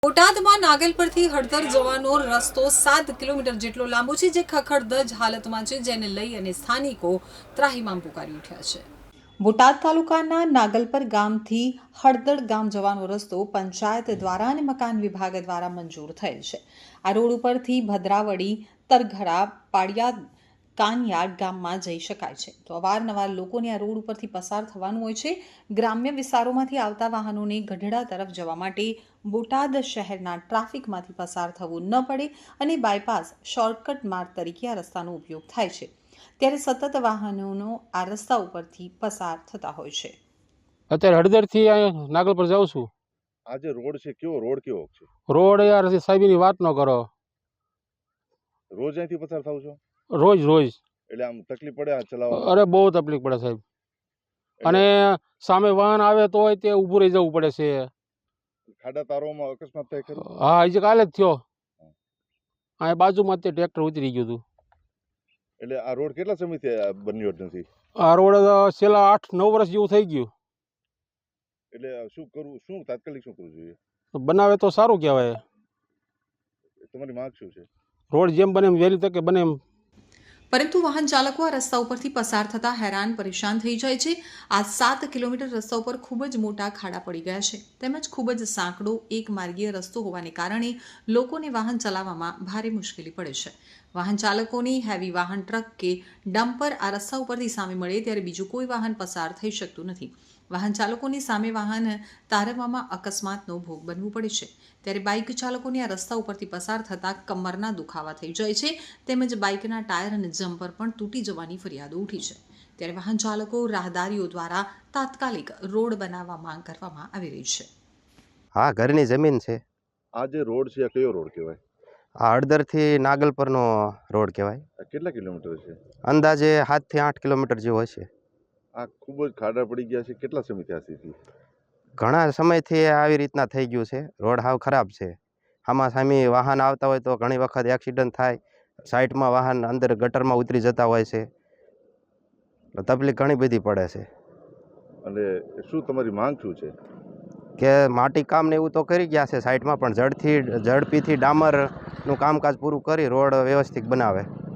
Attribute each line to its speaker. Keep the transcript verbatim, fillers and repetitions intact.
Speaker 1: બોટાદમાં નાગલ પરથી હળદર જવાનો રસ્તો સાત કિલોમીટર જેટલો લાંબો છે, જે ખખડધજ હાલતમાં છે, જેને લઈ અને સ્થાનિકો ત્રાહિમામ પુકારી ઉઠ્યા છે। બોટાદ તાલુકાના નાગલપર ગામથી હળદર ગામ જવાનો રસ્તો પંચાયત દ્વારા અને મકાન વિભાગ દ્વારા મંજૂર થયેલ છે। આ રોડ ઉપરથી ભદ્રાવડી, તરઘડા, પાડિયાદ, કાનયાર્ડ ગામમાં જઈ શકાય છે, તો અવારનવાર લોકોને આ રોડ ઉપરથી પસાર થવાનું હોય છે। ગ્રામ્ય વિસ્તારોમાંથી આવતા વાહનોને ગઢડા તરફ જવા માટે બોટાદ શહેરના ટ્રાફિકમાંથી પસાર થવું ન પડે અને બાયપાસ શોર્ટકટ માર્ગ તરીકે આ રસ્તાનો ઉપયોગ થાય છે, ત્યારે સતત વાહનોનો આ રસ્તા ઉપરથી પસાર થતા હોય છે।
Speaker 2: અત્યારે હળદરથી નાગલ પર જાઉં છું।
Speaker 3: આ જે રોડ છે કેવો રોડ કેવો છે?
Speaker 2: રોડ યાર સાહેબની વાત ન કરો,
Speaker 3: રોજ અહીંથી પસાર થાવ છો?
Speaker 2: રોજ રોજ
Speaker 3: એટલે આમ તકલીફ પડે આ ચલાવવામાં?
Speaker 2: અરે બહુ તકલીફ પડે સાહેબ, અને સામે વાહન આવે તો તે ઊભું રહી જવું પડે છે।
Speaker 3: ખાડા તારોમાં અકસ્માત થાય ખરું?
Speaker 2: હા, હજી કાલે જ થયો, આ બાજુમાં તે ટ્રેક્ટર ઉતરી ગયું હતું।
Speaker 3: એટલે આ રોડ કેટલા સમયથી બન્યો જ નથી?
Speaker 2: આ રોડ છેલ્લા આઠ નવ વર્ષ જેવું થઈ ગયું।
Speaker 3: એટલે શું કરવું, શું તાત્કાલિક શું કરવું જોઈએ?
Speaker 2: બનાવે તો સારું કહેવાય।
Speaker 3: તમારી માંગ શું છે?
Speaker 2: રોડ જેમ બને એમ વહેલી તકે બને એમ।
Speaker 1: પરંતુ વાહન ચાલકો આ રસ્તા ઉપરથી પસાર થતા હેરાન પરેશાન થઈ જાય છે। આ સાત કિલોમીટર રસ્તા ઉપર ખૂબ જ મોટા ખાડા પડી ગયા છે, તેમજ ખૂબ જ સાંકડો એક માર્ગીય રસ્તો હોવાને કારણે લોકોને વાહન ચલાવવામાં ભારે મુશ્કેલી પડે છે। વાહન ચાલકોની હેવી વાહન, ટ્રક કે ડમ્પર આ રસ્તા ઉપરથી સામે મળે ત્યારે બીજું કોઈ વાહન પસાર થઈ શકતું નથી। વાહન ચાલકોની સામે વાહન તારવવામાં અકસ્માતનો ભોગ બનવું પડે છે, ત્યારે બાઇક ચાલકોને આ રસ્તા ઉપરથી પસાર થતાં કમરના દુખાવા થઈ જાય છે, તેમજ બાઇકના ટાયર અને જમ્પર પણ તૂટી જવાની ફરિયાદો ઉઠી છે। ત્યારે વાહન ચાલકો રાહદારીઓ દ્વારા તાત્કાલિક રોડ બનાવવા માંગ કરવામાં આવી રહી છે।
Speaker 4: હા, ઘરની જમીન છે।
Speaker 3: આ જે રોડ છે આ કયો રોડ કહેવાય?
Speaker 4: આ હળદરથી નાગલપરનો રોડ કહેવાય।
Speaker 3: આ કેટલા કિલોમીટર છે?
Speaker 4: અંદાજે સાતથી આઠ કિલોમીટર જેવો હશે।
Speaker 3: આ ખૂબ જ ખાડા પડી ગયા છે, કેટલા સમયથી આ સ્થિતિ?
Speaker 4: ઘણા સમયથી આવી રીતના થઈ ગયું છે, રોડ હાવ ખરાબ છે। આમાં સામે વાહન આવતા હોય તો ઘણી વખત એક્સિડન્ટ થાય, સાઈડમાં વાહન અંદર ગટરમાં ઉતરી જતા હોય છે, તકલીફ ઘણી બધી પડે છે।
Speaker 3: અને શું તમારી માંગ શું છે?
Speaker 4: કે માટી કામ ને એવું તો કરી ગયા છે સાઈડમાં, પણ ઝડપથી ઝડપીથી ડામરનું કામકાજ પૂરું કરી રોડ વ્યવસ્થિત બનાવે।